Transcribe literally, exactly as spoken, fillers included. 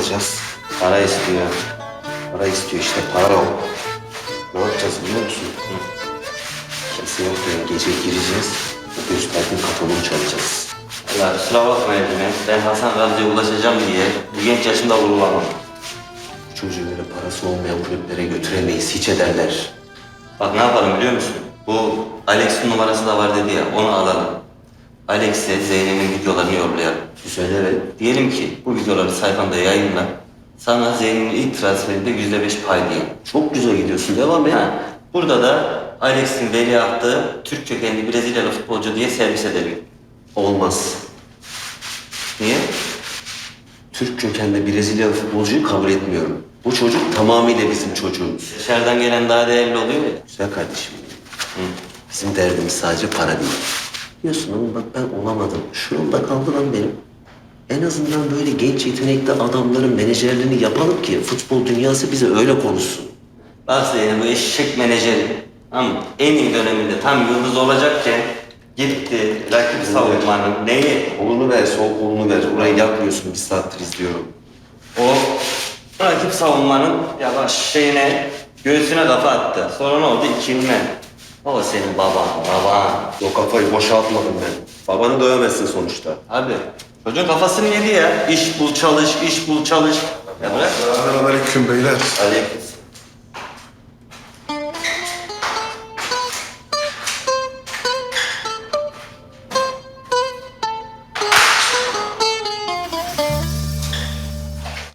alacağız? Para istiyor. Para istiyor işte, para o. Ne yapacağız biliyor musun? Kimse yokken gece gireceğiz, o gösterdiğin kataloğu çalacağız. Allah kusura bakma Ercüment. Ben Hasan Ramcı'ya ulaşacağım diye bu genç yaşımda vurulamam. Bu çocuğu böyle parası olmayan kulüplere götüremeyiz, hiç ederler. Bak ne yapalım biliyor musun? Bu Alex'in numarası da var dedi ya, onu alalım. Alex'e Zeynep'in videolarını yollayalım. Güzel, evet. Diyelim ki bu videoları sayfanda yayınla. Sana Zeynep'in ilk transferinde yüzde beş pay diyelim. Çok güzel gidiyorsun, devam et. Ha, burada da Alex'in veliahtı Türk kökenli Brezilyalı futbolcu diye servis edelim. Olmaz. Niye? Türk kökenli Brezilyalı futbolcuyu kabul etmiyorum. Bu çocuk tamamıyla bizim çocuğumuz. Dışarıdan gelen daha değerli oluyor ya. Güzel kardeşim. Hı. Bizim derdimiz sadece para değil. Biliyorsun ama bak ben olamadım. Şu yolda kaldı lan benim. En azından böyle genç yetenekli adamların menajerliğini yapalım ki futbol dünyası bize öyle konuşsun. Bak Zeynep bu eşek menajeri. Ama en iyi döneminde tam yıldız olacakken gitti rakip savunmanın neyi? Kolunu ver, sol kolunu ver. Orayı yapmıyorsun, bir saattir izliyorum. O rakip savunmanın yavaş şeyine göğsüne kafa attı. Sonra ne oldu? İkilme. O senin baban, baban. O kafayı boşaltmadım ben. Babanı dövemezsin sonuçta. Abi çocuğun kafasını yedi ya. İş bul çalış, iş bul çalış. Ya bırak. Selamünaleyküm beyler. Aleyküm